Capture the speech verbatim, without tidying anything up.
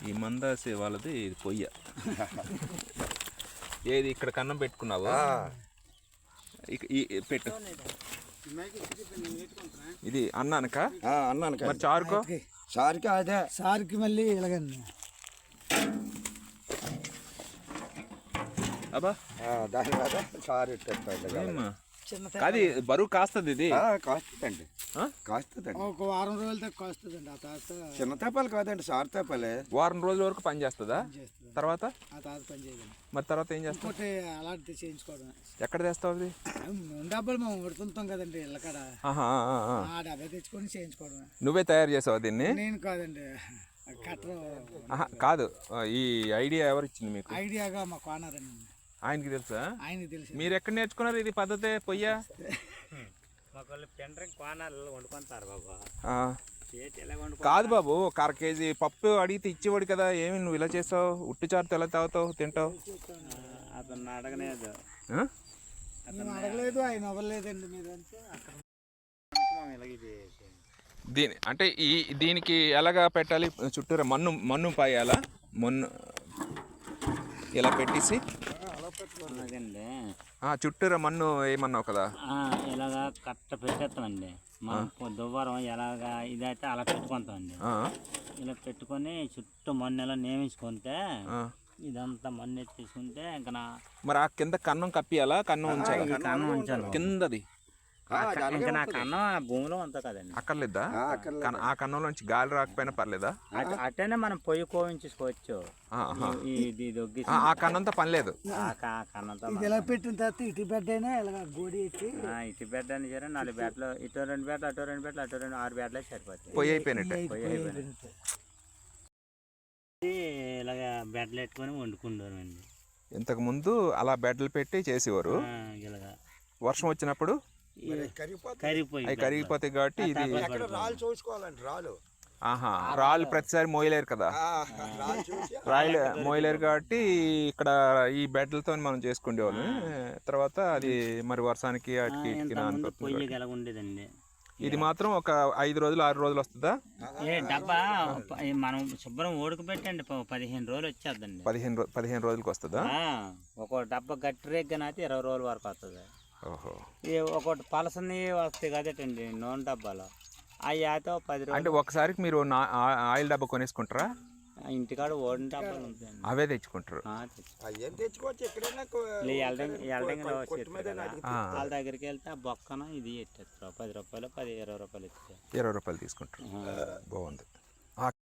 ఈ మందాసి వాళ్ళది ఇది పొయ్య. ఏది ఇక్కడ కన్నం పెట్టుకున్నావా? ఈ పెట్టు. ఇది అన్నానక అన్నానక మరి చారుకో? చారుకి అదే సార్కి మళ్ళీ ఇలాగండి. అబ్బా దాని మీద చారు ఇట్టేస్తాడు. అది బరువు కాస్తుంది. ఇది కాస్తుందండి, కాస్తుందండి. ఒక వారం రోజుల దాకా కాస్తుందండి. ఆ తర్వాత చిన్న తేపాలు కాదండి, సారు తేపాలే. వారం రోజుల వరకు పని చేస్తుందా? తర్వాత ఆ తర్వాత పని చేయదండి. మరి తర్వాత ఏం చేస్తావు? ఇంకోటి అలాంటిది చేయించుకోవడం. ఎక్కడ తెస్తావు అది? డబ్బులు మేము ఉడుతుంటాం కదండి ఇళ్ళకాడ, ఆ డబ్బా తెచ్చుకొని చేయించుకోవడం. నువ్వే తయారు చేసావు దీన్ని? నేను కాదండి, కట్టరు. కాదు, ఈ ఐడియా ఎవరు ఇచ్చింది మీకు? ఐడియాగా మా కోనారండి. ఆయనకి తెలుసా? ఆయనకి తెలుసు. మీరు ఎక్కడ నేర్చుకున్నారు ఇది పద్ధతి పొయ్యా? కాదు బాబు, ఒక అర కేజీ పప్పు అడిగితే ఇచ్చేవాడు కదా, ఏమి నువ్వు ఇలా చేస్తావు? ఉట్టి చారుతో ఎలా తాగుతావు, తింటావు? అతను అడగలేదు, అడగలేదు, ఆయన అవ్వలేదండి. మీరు దీని అంటే ఈ దీనికి ఎలాగా పెట్టాలి? చుట్టూరా మన్ను మన్ను పాయాలా? మన్ను ఇలా పెట్టేసి చుట్టూరా మన్ను ఏమన్నావు కదా, ఇలాగా కట్ట పెట్టేస్తామండి. మనం దువ్వారం ఎలాగా ఇదైతే అలా పెట్టుకుంటామండి. ఇలా పెట్టుకొని చుట్టూ మన్ను ఎలా నియమించుకుంటే ఇదంతా మన్ను ఎత్తేసుకుంటే ఇంకా మరి ఆ కింద కన్నం కప్పియాలా? కన్నం ఉంచాలి, కన్నం ఉంచాలి కిందది. ఇంకా నా కన్నం భూమిలో అంతా కదండి. అక్కర్లేదా? ఆ కన్నంలో నుంచి గాలి రాకపోయినా పర్లేదా? అట్టనే మనం పొయ్యి కోవించుకోవచ్చు. ఆ కన్నంతో పని లేదు. ఇలా పెట్టిన తర్వాత ఇటు బెడ్ అయినా ఇలా గోడి ఎట్టి ఇటు బెడ్ అని సరే నాలుగు బెడ్లు, ఇటు రెండు బెడ్లు, అటు రెండు బెడ్లు, అటు రెండు ఆరు బెడ్లే సరిపోతాయి. పొయ్యి అయిపోయినట్టే. పొయ్యి అయిపోయినట్టు ఇలాగ బెడ్లు పెట్టుకొని వండుకుంటారు అండి. ఇంతకు ముందు అలా బెడ్లు పెట్టి చేసేవారు. ఇలాగా వర్షం వచ్చినప్పుడు కరిగిపోయి కరిగిపోతాయి కాబట్టి ఇది రాళ్ళు చూసుకోవాలండి. రాళ్ళు ఆహా రాళ్ళు ప్రతిసారి మోయలేరు కదా, రాళ్ళు మోయలేరు కాబట్టి ఇక్కడ ఈ బెడ్లతో మనం చేసుకునేవాళ్ళం. తర్వాత అది మరి వర్షానికి వాటికి ఉండేదండి. ఇది మాత్రం ఒక ఐదు రోజులు ఆరు రోజులు వస్తుందా? ఏ డబ్బా మనం శుభ్రం ఓడుకుపెట్టండి పదిహేను రోజులు వచ్చేద్దండి. పదిహేను రోజు పదిహేను రోజులకి వస్తుందా? ఒక డబ్బా గట్టి రేగ్గానైతే ఇరవై రోజుల వరకు వస్తుంది. ఓహో, ఒకటి పలసని వస్తాయి కదటండి నూనె డబ్బాలో, అవి అయితే పది రోజులు. అంటే ఒకసారికి మీరు ఆయిల్ డబ్బా కొనేసుకుంటారా? ఇంటికాడ ఓడిన డబ్బాలు ఉంటాయి, అవే తెచ్చుకుంటారు. వాళ్ళ దగ్గరికి వెళ్తే ఆ బొక్కన ఇది ఎట్టేస్తారు. పది రూపాయలు పది ఇరవై రూపాయలు ఇస్తారు. ఇరవై రూపాయలు తీసుకుంటారు. బాగుంది.